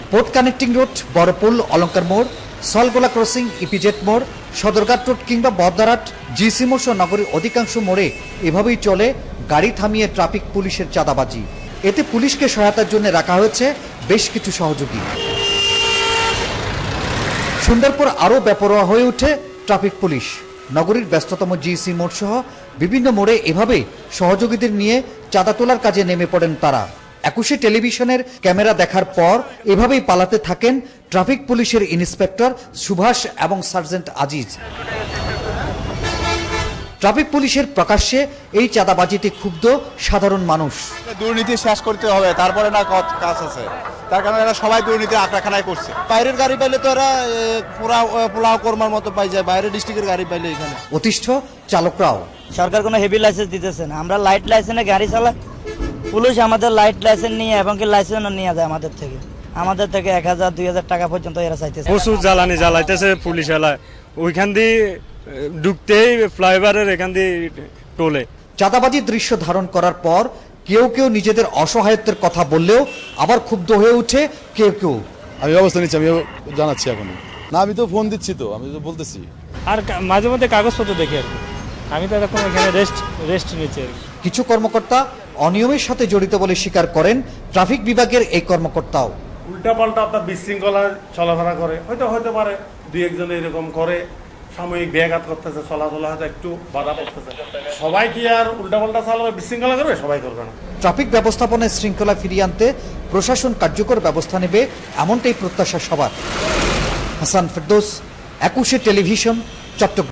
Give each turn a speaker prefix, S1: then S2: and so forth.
S1: Port connecting road, Boropul, অলঙ্কার মোড়, সলগোলা crossing, EPZ মোড়, সদরঘাট রোড কিংবা বদ্দারহাট, জিসি মোড় সহ নগরীর অধিকাংশ মোড়ে এভাবেই চলে গাড়ি থামিয়ে ট্রাফিক পুলিশের চাঁদাবাজি। এতে পুলিশকে সহায়তার জন্য রাখা হয়েছে বেশ কিছু সহযোগী। সন্ধ্যার পর আরও বেপরোয়া হয়ে ওঠে ট্রাফিক পুলিশ। নগরীর ব্যস্ততম জিসি মোড় সহ বিভিন্ন মোড়ে এভাবে সহযোগীদের নিয়ে চাঁদা তোলার কাজে নেমে পড়েন তারা। ২১ টেলিভিশনের ক্যামেরা দেখার পর এভাবেই পালাতে থাকেন ট্রাফিক পুলিশের ইন্সপেক্টর সুভাষ এবং সার্জেন্ট আজিজ। ট্রাফিক পুলিশের প্রকাশ্যে এই চাঁদাবাজিতে ক্ষুব্ধ সাধারণ মানুষ।
S2: দুর্নীতি শেষ করতে হবে, তারপরে না কাজ আছে। তার কারণে এরা সবাই দুর্নীতি আঁকড়াখানায় করছে। বাইরের গাড়ি পাইলে তো এরা পোলাও কর্মার মতো পাই যায়, বাইরের ডিস্ট্রিক্টের গাড়ি পাইলে এখানে।
S1: অতিষ্ঠ চালকরাও।
S3: সরকার কোনো হেভি লাইসেন্স দিতেছে না, আমরা লাইট লাইসেন্সে গাড়ি চালাই। পুলিশ আমাদের লাইট লাইসেন্স নিয়ে এবং কি লাইসেন্স নিয়ে যায় আমাদের থেকে ১,০০০-২,০০০ টাকা পর্যন্ত এরা চাইতেছে।
S4: প্রচুর জ্বালানি জ্বালাইতেছে পুলিশ এলাকায়, ওইখান দিয়ে ঢুকতেই ফ্লাইওভারের এখান দিয়ে টোলে।
S1: চাঁদাবাজির দৃশ্য ধারণ করার পর কেউ কেউ নিজেদের অসহায়ত্বের কথা বললেও আবার ক্ষুব্ধ হয়ে উঠে কেউ কেউ।
S5: আমি অবস্থা নিচ্ছি, আমি জানাচ্ছি এখন। না, আমি তো ফোন দিচ্ছি, তো আমি তো বলতেছি।
S4: আর মাঝে মধ্যে কাগজপত্র দেখি আর কি। আমি তো এখন এখানে রেস্ট নিচ্ছি।
S1: কিছু কর্মকর্তা অনিয়মের সাথে জড়িত বলে স্বীকার করেন ট্রাফিক বিভাগের এই কর্মকর্তাও।
S6: উল্টাপাল্টা আপনার বিশৃঙ্খলায় চলাফেরা করে, হয়তো পারে দুই একজন এরকম করে, সাময়িক ব্যাঘাত করতেছে, চলাচলা হয়তো একটু বাধা পড়তেছে। সবাই কি আর উল্টাপাল্টা চালাবে, বিশৃঙ্খলা করবে? সবাই করবে না।
S1: ট্রাফিক ব্যবস্থাপনায় শৃঙ্খলা ফিরিয়ে আনতে প্রশাসন কার্যকর ব্যবস্থা নেবে, এমনটাই প্রত্যাশা সবার। হাসান ফেরদৌস, ২১ টেলিভিশন, চট্টগ্রাম।